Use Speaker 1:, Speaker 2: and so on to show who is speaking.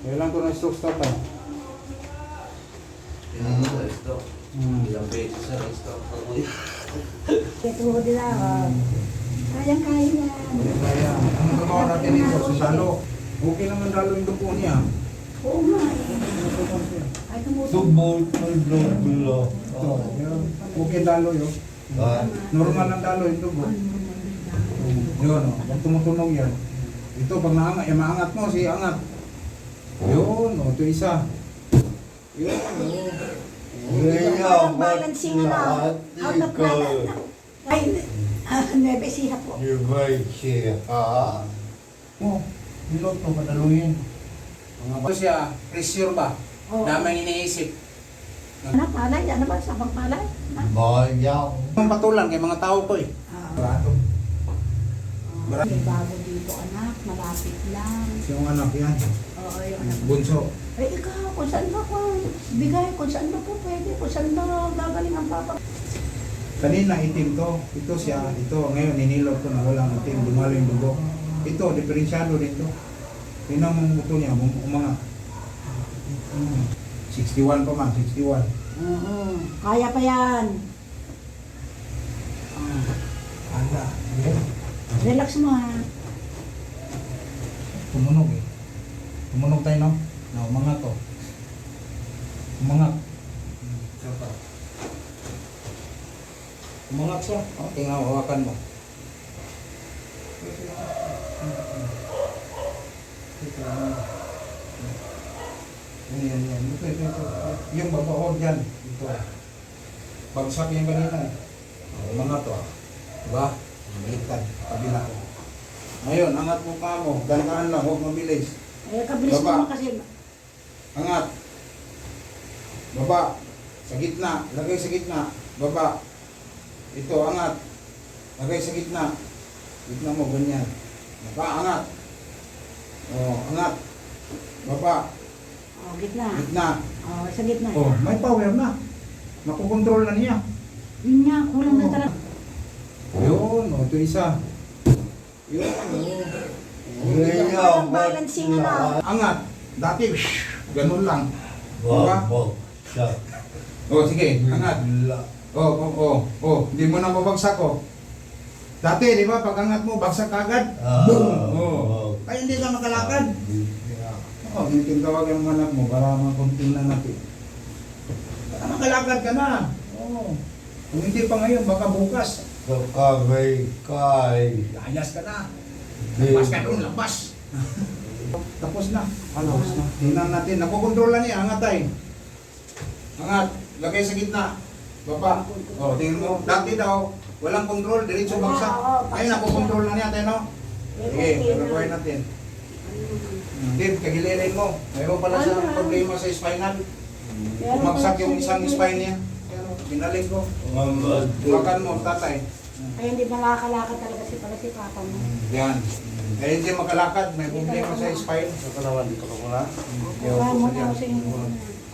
Speaker 1: Kailan ko na-stroke stop tayo?
Speaker 2: Kailangan ko na-stroke. Ilang beses na na-stroke ako eh.
Speaker 3: Ito din ako. Kayang-kaya yan.
Speaker 1: Kaya, ang gagawa natin dito, sa dalo. Okay naman dalo yung dupo niya.
Speaker 3: Oo nga eh. Ay, tumutok.
Speaker 4: Tubol, tulog, tulo.
Speaker 1: Ito, yun. Okay dalo yun. Normal ang dalo yung dupo. Yun, o. Pag tumutunog yan. Ito, pag naangat, maangat mo, si angat. Yun, o. Ito isa. Yun, o.
Speaker 3: Out of balancing na. Out of balance. Ay, 9 siya po.
Speaker 4: You may siya.
Speaker 1: Oh, bilot to, padaluhin. Ito siya, pressure ba?
Speaker 3: Oo.
Speaker 1: Daming iniisip.
Speaker 3: Anak, palay. Ano ba? Sabang palay?
Speaker 4: Bayaw.
Speaker 1: Ang patulan kay mga tao ko eh. Barato.
Speaker 3: May bago dito, anak. Malapit lang.
Speaker 1: Yung anak yan,
Speaker 3: Oo, yung anak.
Speaker 1: bunso.
Speaker 3: Eh, ikaw, kung saan ba ko? Bigay, kung saan ba po pwede? Kung saan ba gagaling ang papa?
Speaker 1: Kanina itim to. Ito siya, ito. Ngayon ninilot ko na walang itim. Dumalo yung dugo. Ito, diferensyado din to. Tingnan mo ang buto niya, umangat. 61 pa man, 61.
Speaker 3: Oo. Kaya pa yan.
Speaker 1: Anda.
Speaker 3: Relax mo ha.
Speaker 1: Tumunog eh. Tumunog tayo no? Na umangat to. Umangat. Umangat siya. O, tingnan mo, hawakan mo. Yan. Ito. Yung babaog dyan. Ito. Bagsak yung kanina eh. Umangat to. Diba? Baliktad. Kabila. Ngayon, angat mo pa mo. Dantaan lang, huwag mabilis.
Speaker 3: Eh, kabilis
Speaker 1: Baba.
Speaker 3: mo kasi.
Speaker 1: Angat. Baba. Sa gitna. Lagay sa gitna. Baba. Ito, angat. Lagay sa gitna. Gitna mo, ganyan. Baba, angat. Angat. Baba.
Speaker 3: Oh, gitna.
Speaker 1: Gitna.
Speaker 3: Oh, sa gitna.
Speaker 1: May power na. Makukontrol na niya.
Speaker 3: Yun nga, kulang na talaga.
Speaker 1: Yun, ito isa. Yun,
Speaker 3: Out of balancing na.
Speaker 1: Angat. Dati, ganun lang.
Speaker 4: Babag siya.
Speaker 1: Sige, angat. Hindi mo na mabagsak Dati, di ba, pag angat mo, bagsak agad. Boom! Kaya hindi ka makalakad. Hindi tawag yung anak mo para makunting na natin. Baka makalakad ka na. Kung hindi pa ngayon, baka bukas.
Speaker 4: Kakabay kay.
Speaker 1: Layas ka na. Labas ka doon, labas. Tapos na. Tapos na. Tingnan natin. Nakukontrol na niya. Angat tayo. Angat. Lagay sa gitna. Baba. Tingnan mo. Dati daw, walang control. Diretso bagsak. Ngayon, nakukontrol na niya tayo, no? Sige, gagawin natin. Dave, kagilirin mo. Mayroon pala sa problema sa spinal. Bumagsak yung isang spine niya. Pero, binalik ko. Huwakan mo, tatay.
Speaker 3: Kaya hindi makakalakad talaga si papa mo.
Speaker 1: Yan. Kaya hindi makalakad, may problema sa spine.
Speaker 2: Ito naman, dito ka muna.
Speaker 3: Kaya mo na kasi yung